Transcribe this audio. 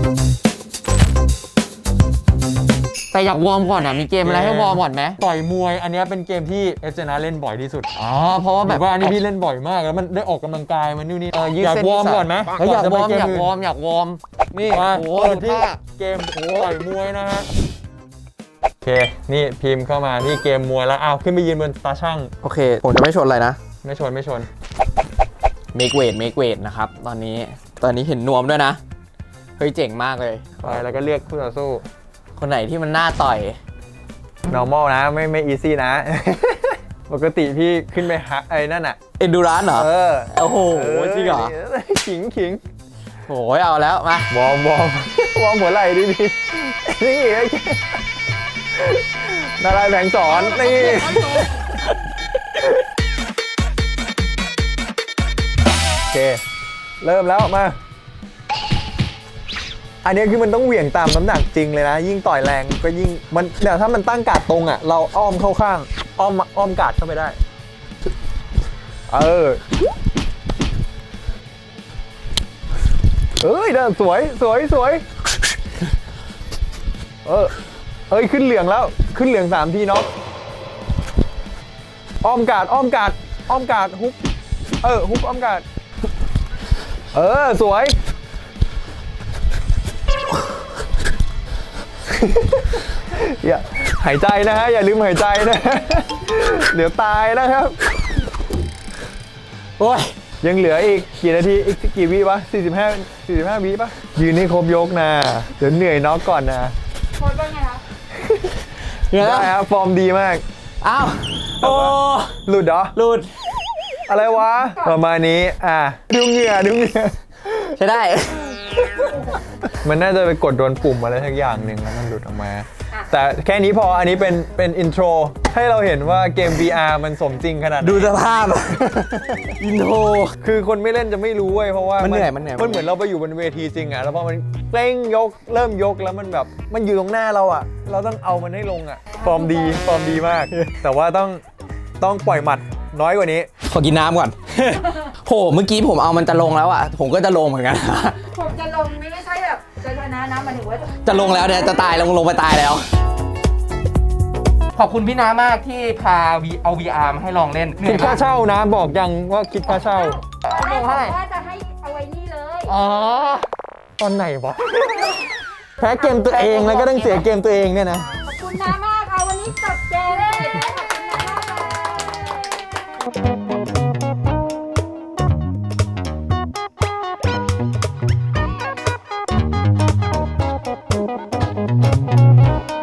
แต่อยากวอร์มก่อนอ่ะมีเกมอะไรให้วอร์มก่อนไหมต่อยมวยอันนี้เป็นเกมที่เอสเจนะเล่นบ่อยที่สุดเพราะว่าแบบว่าอันนี้พี่เล่นบ่อยมากแล้วมันได้ออกกำลังกายมันนู่นนี่อยากวอร์มก่อนไหมอยากวอร์มนี่โอ้โหที่เกมต่อยมวยนะฮะโอเคนี่พิมพ์เข้ามาที่เกมมวยแล้วอ้าวขึ้นไปยืนบนตาช่างโอเคผมจะไม่ชนอะไรนะไม่ชนเมกเวทนะครับตอนนี้เห็นนวมด้วยนะเฮ้ยเจ๋งมากเลยไปแล้วก็เรียกคู่ต่อสู้คนไหนที่มันน่าต่อย normal นะไม่ easy นะ ปกติพี่ขึ้นไปหาไอ้นั่นอ่ะ endurance เหรอโอ้โหจริงเหรอขิงโอ้ยเอาแล้วมาวอร์มหัวไหล่ดินี่นารายณ์แผงสอนนี่โอเคเริ่มแล้วมาอันนี้คือมันต้องเหวี่ยงตามน้ำหนักจริงเลยนะยิ่งต่อยแรงก็ยิ่งมันเดี๋ยวถ้ามันตั้งการ์ดตรงอ่ะเราอ้อมเข้าข้างอ้อมการ์ดเข้าไปได้เอ้ยเด้อสวยเอ้ยขึ้นเหลืองแล้วขึ้นเหลือง3 ทีเนาะอ้อมการ์ดฮุกฮุกอ้อมการ์ดสวยอย่าหายใจนะฮะอย่าลืมหายใจนะเดี๋ยวตายนะครับโอ้ยยังเหลืออีกกี่นาทีอีกกี่วิวะ45วิปะยืนให้ครบยกนะเดี๋ยวเหนื่อยน็อกก่อนนะโค้ชเป็นไงคะได้ครับฟอร์มดีมากอ้าวโอ้หลุดเหรอหลุดอะไรวะประมาณนี้ดูเหงื่อใช่ได้มันน่าจะไปกดโดนปุ่มอะไรทักอย่างหนึ่งแล้วมันหลุดออกมาแต่แค่นี้พออันนี้เป็นอินโทรให้เราเห็นว่าเกม VR มันสมจริงขนาดไหนดูสภาพอินโทรคือคนไม่เล่นจะไม่รู้เว้ยเพราะว่ามันเหนื่อยมันเหมือนเราไปอยู่บนเวทีจริงอะแล้วพอมันเร่งยกเริ่มยกแล้วมันแบบมันอยู่ตรงหน้าเราอะเราต้องเอามันให้ลงอะฟอร์มดีมาก แต่ว่าต้องปล่อยหมัดน้อยกว่านี้ขอกินน้ำก่อนโหเมื่อกี้ผมเอามันจะลงแล้วอ่ะผมก็จะลงเหมือนกันผมจะลงไม่ใช่แบบจะชนะนะหมายถึงว่าจะลงแล้วเนี่ยจะตายลงไปตายแล้วขอบคุณพี่น้ามากที่พาเอา VR มาให้ลองเล่นคิดค่าเช่านะบอกยังว่าคิดค่าเช่าไม่บอกว่าจะให้เอาไว้นี่เลยตอนไหนวะแพ้เกมตัวเองแล้วก็ต้องเสียเกมตัวเองเนี่ยนะขอบคุณน้ามากค่ะวันนี้จบเกมเลยขอบคุณน้ามากเลย